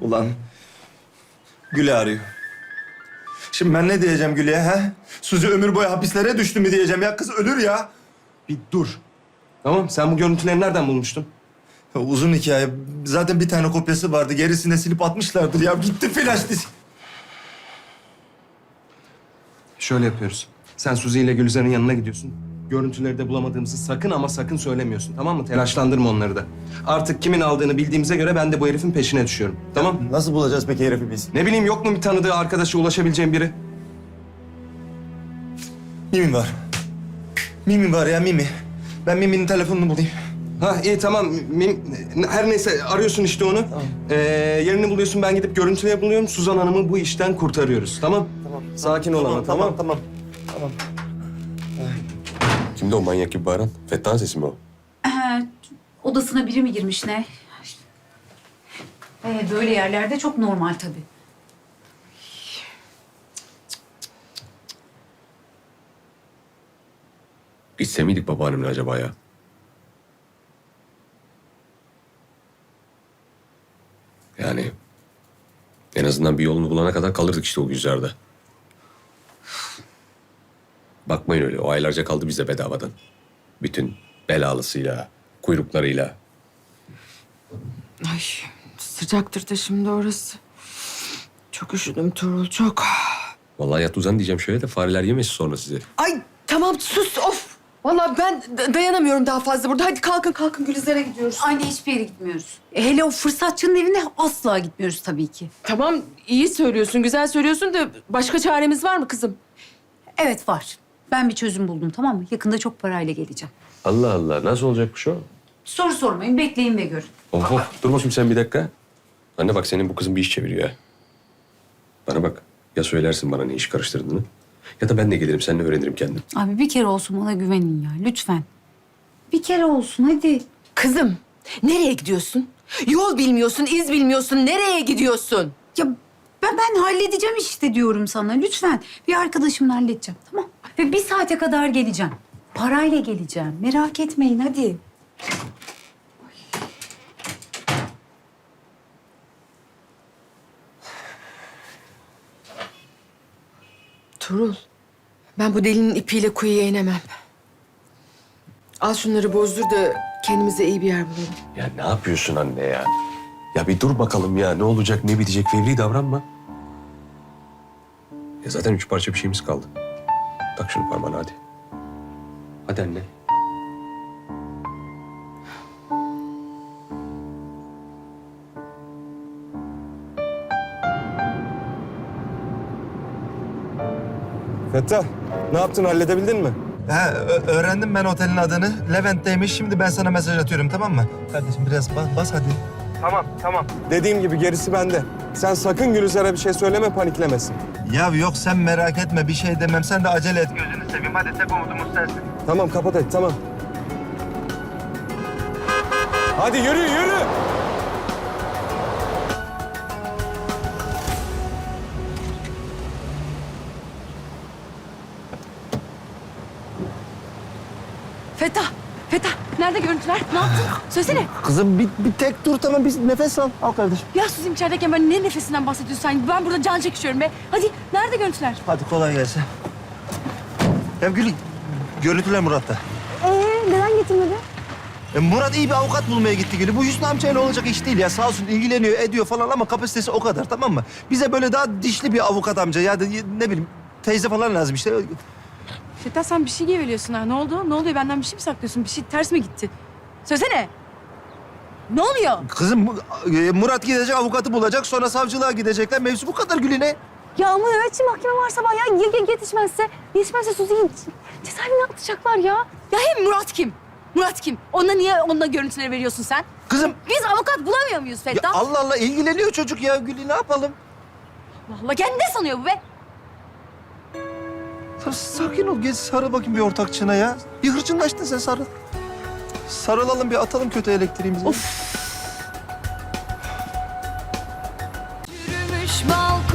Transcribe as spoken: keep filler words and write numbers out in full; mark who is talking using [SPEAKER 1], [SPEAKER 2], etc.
[SPEAKER 1] Ulan Gül'ü arıyor. Şimdi ben ne diyeceğim Gül'e ha? Suzi ömür boyu hapislere düştü mü diyeceğim ya. Kız ölür ya.
[SPEAKER 2] Bir dur. Tamam, sen bu görüntüleri nereden bulmuştun?
[SPEAKER 1] Ya uzun hikaye. Zaten bir tane kopyası vardı. Gerisini de silip atmışlardır ya. Gitti flash disk.
[SPEAKER 2] Şöyle yapıyoruz. Sen Suzi ile Gülizar'ın yanına gidiyorsun. Görüntüleri de bulamadığımızı sakın ama sakın söylemiyorsun. Tamam mı? Telaşlandırma onları da. Artık kimin aldığını bildiğimize göre ben de bu herifin peşine düşüyorum. Tamam?
[SPEAKER 1] Nasıl bulacağız peki herifi biz?
[SPEAKER 2] Ne bileyim, yok mu bir tanıdığı arkadaşı, ulaşabileceğim biri?
[SPEAKER 1] Mimi var. Mimi var ya Mimi. Ben Mimi'nin telefonunu bulayım.
[SPEAKER 2] Ha iyi tamam. Mim- Her neyse arıyorsun işte onu.
[SPEAKER 1] Tamam.
[SPEAKER 2] Ee, yerini buluyorsun, ben gidip görüntüleri buluyorum. Suzan Hanım'ı bu işten kurtarıyoruz. Tamam?
[SPEAKER 1] Tamam.
[SPEAKER 2] Sakin ol ama, tamam?
[SPEAKER 1] Tamam. Tamam.
[SPEAKER 3] Kimdi o manyak gibi bağıran? Fettah'ın sesi mi o?
[SPEAKER 4] Ee, odasına biri mi girmiş ne? Ee, böyle yerlerde çok normal tabii.
[SPEAKER 3] Gitse miydik babaannemle acaba ya? Yani en azından bir yolunu bulana kadar kalırdık işte o yüzlerde. Bakmayın öyle. O aylarca kaldı bize bedavadan. Bütün belalısıyla, kuyruklarıyla.
[SPEAKER 5] Ay sıcaktır da şimdi orası. Çok üşüdüm Tuğrul, çok.
[SPEAKER 3] Vallahi yat uzan diyeceğim şöyle de fareler yemesin sonra sizi.
[SPEAKER 5] Ay tamam sus, of. Vallahi ben d- dayanamıyorum daha fazla burada. Hadi kalkın kalkın, Gülizar'a gidiyoruz.
[SPEAKER 4] Aynı hiçbir yere gitmiyoruz. E, hele o fırsatçının evine asla gitmiyoruz tabii ki.
[SPEAKER 5] Tamam, iyi söylüyorsun, güzel söylüyorsun da başka çaremiz var mı kızım?
[SPEAKER 4] Evet var. Ben bir çözüm buldum, tamam mı? Yakında çok parayla geleceğim.
[SPEAKER 3] Allah Allah. Nasıl olacakmış o?
[SPEAKER 4] Soru sormayın, bekleyin ve görün.
[SPEAKER 3] Of of. Dur bakayım sen bir dakika. Anne bak, senin bu kızın bir iş çeviriyor ha. Bana bak. Ya söylersin bana ne iş karıştırdığını, ya da ben de gelirim seninle öğrenirim kendim.
[SPEAKER 4] Abi bir kere olsun bana güvenin ya, lütfen. Bir kere olsun hadi.
[SPEAKER 5] Kızım, nereye gidiyorsun? Yol bilmiyorsun, iz bilmiyorsun. Nereye gidiyorsun?
[SPEAKER 4] Ya ben, ben halledeceğim işte diyorum sana, lütfen. Bir arkadaşımla halledeceğim, tamam? Ve bir saate kadar geleceğim. Parayla geleceğim, merak etmeyin hadi.
[SPEAKER 5] Tuğrul, ben bu delinin ipiyle kuyuya inemem. Al şunları bozdur da kendimize iyi bir yer bulalım.
[SPEAKER 3] Ya ne yapıyorsun anne ya? Ya bir dur bakalım ya. Ne olacak, ne bitecek? Fevri davranma. Ya zaten üç parça bir şeyimiz kaldı. Tak şunu parmağına hadi. Hadi anne.
[SPEAKER 2] Fettah, ne yaptın? Halledebildin mi?
[SPEAKER 1] Ha, ö- öğrendim ben otelin adını. Levent'teymiş. Şimdi ben sana mesaj atıyorum, tamam mı? Kardeşim biraz bas, bas hadi.
[SPEAKER 2] Tamam, tamam. Dediğim gibi gerisi bende. Sen sakın Gülizar'a bir şey söyleme, paniklemesin.
[SPEAKER 1] Ya yok sen merak etme, bir şey demem. Sen de acele et. Gözünü seveyim. Hadi tek umudumuz sensin.
[SPEAKER 2] Tamam, kapat et, tamam. Hadi yürü, yürü!
[SPEAKER 5] Fettah, Fettah. Nerede görüntüler? Ne yaptın? Söylesene.
[SPEAKER 1] Kızım bir, bir tek dur, tamam, bir nefes al. Al kardeşim.
[SPEAKER 5] Ya Suzim içerideyken ben ne nefesinden bahsediyorsun sen? Ben burada can çekişiyorum be. Hadi, nerede görüntüler?
[SPEAKER 1] Hadi kolay gelsin. Ya Gül, görüntüler Murat'ta.
[SPEAKER 5] Ee, neden getirmedi?
[SPEAKER 1] E, Murat iyi bir avukat bulmaya gitti Gül'ü. Bu Hüsnü amcayla olacak iş değil ya. Sağ olsun ilgileniyor, ediyor falan ama kapasitesi o kadar, tamam mı? Bize böyle daha dişli bir avukat amca ya da ne bileyim teyze falan lazım işte.
[SPEAKER 5] Fettah sen bir şey geveliyorsun ha. Ne oldu? Ne oluyor? Benden bir şey mi saklıyorsun? Bir şey ters mi gitti? Söylesene. Ne oluyor?
[SPEAKER 1] Kızım bu- e, Murat gidecek, avukatı bulacak, sonra savcılığa gidecekler. Mevzu bu kadar Gül'üne.
[SPEAKER 6] Ya ama nöbetçi mahkeme var sabah ya. Ya, ya yetişmezse, yetişmezse Suzi'yi cezaevine atacaklar ya.
[SPEAKER 5] Ya hem Murat kim? Murat kim? Ona niye onunla görüntüleri veriyorsun sen?
[SPEAKER 1] Kızım
[SPEAKER 5] Biz avukat bulamıyor muyuz
[SPEAKER 1] ya
[SPEAKER 5] Fettah?
[SPEAKER 1] Allah Allah ilgileniyor çocuk ya Gül'ü, ne yapalım?
[SPEAKER 5] Allah kendi ne sanıyor bu be?
[SPEAKER 1] Ya sakin ol, geç sarıl bakayım bir ortakçına ya. Bir hırçınlaştın sen, sarıl. Sarılalım, bir atalım kötü elektriğimizi.
[SPEAKER 5] Of.
[SPEAKER 6] Yürümüş balkon.